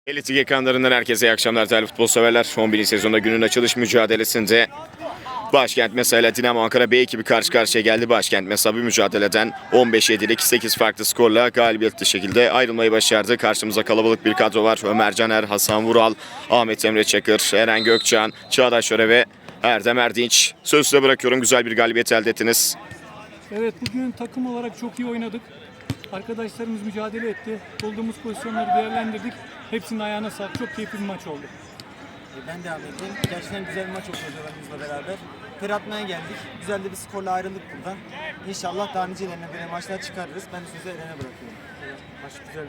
Elit Lig ekranlarından herkese iyi akşamlar değerli futbol severler. 11. sezonda günün açılış mücadelesinde Başkent Mesa ile Dinamo Ankara B ekibi karşı karşıya geldi. Başkent Mesa bir mücadeleden 15-7'lik 8 farklı skorla galibiyetli şekilde ayrılmayı başardı. Karşımıza kalabalık bir kadro var. Ömer Caner, Hasan Vural, Ahmet Emre Çakır, Eren Gökçan, Çağdaş Öre ve Erdem Erdinç. Sözü size bırakıyorum. Güzel bir galibiyet elde ettiniz. Evet, bugün takım olarak çok iyi oynadık. Arkadaşlarımız mücadele etti. Bulduğumuz pozisyonları değerlendirdik. Hepsinin ayağına sağlık. Çok keyifli bir maç oldu. Ben de Ahmet'im. Gerçekten güzel bir maç oldu hocalarımızla beraber. Ter atmaya geldik. Güzel de bir skorla ayrıldık buradan. İnşallah daha nicelerine böyle maçlar çıkarırız. Ben de sözü Eren'e bırakıyorum. Maç güzel.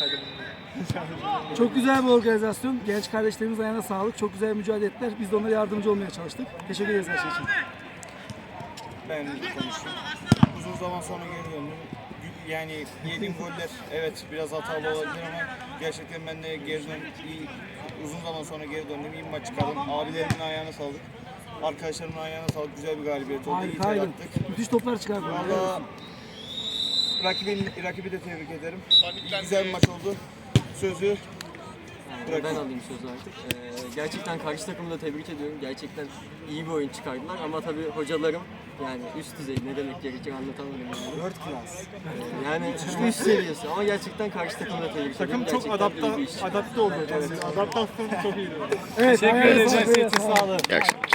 Çok güzel bir organizasyon. Genç kardeşlerimiz ayağına sağlık. Çok güzel mücadele ettiler. Biz de onlara yardımcı olmaya çalıştık. Teşekkür ederiz her şey için. Ben konuşayım. Uzun zaman sonra geri döndüm. Yani yediğim goller evet biraz hatalı olabilir ama gerçekten ben de geri döndüm. Uzun zaman sonra geri döndüm. İyi bir maç çıkardım. Abilerimin ayağına sağlık. Arkadaşlarımın ayağına sağlık. Güzel bir galibiyet oldu. İyi ter Harikaydın. attık. Müthiş toplar çıkardı. Valla rakibi de tebrik ederim. Güzel bir maç oldu. Sözü Ben alayım sözü artık. Gerçekten karşı takımı da tebrik ediyorum. Gerçekten iyi bir oyun çıkardılar ama tabii hocalarım yani üst düzey ne demek gerekir anlatamadım yani. World class. Yani üst seviyesi ama gerçekten karşı takımı da tebrik ediyorum. Takım çok Gerçekten iyi bir iş. adapte oldu. Adaptasyonu çok iyiydi. Evet, Teşekkür ayağına ederiz. sağlık. İyi akşamlar.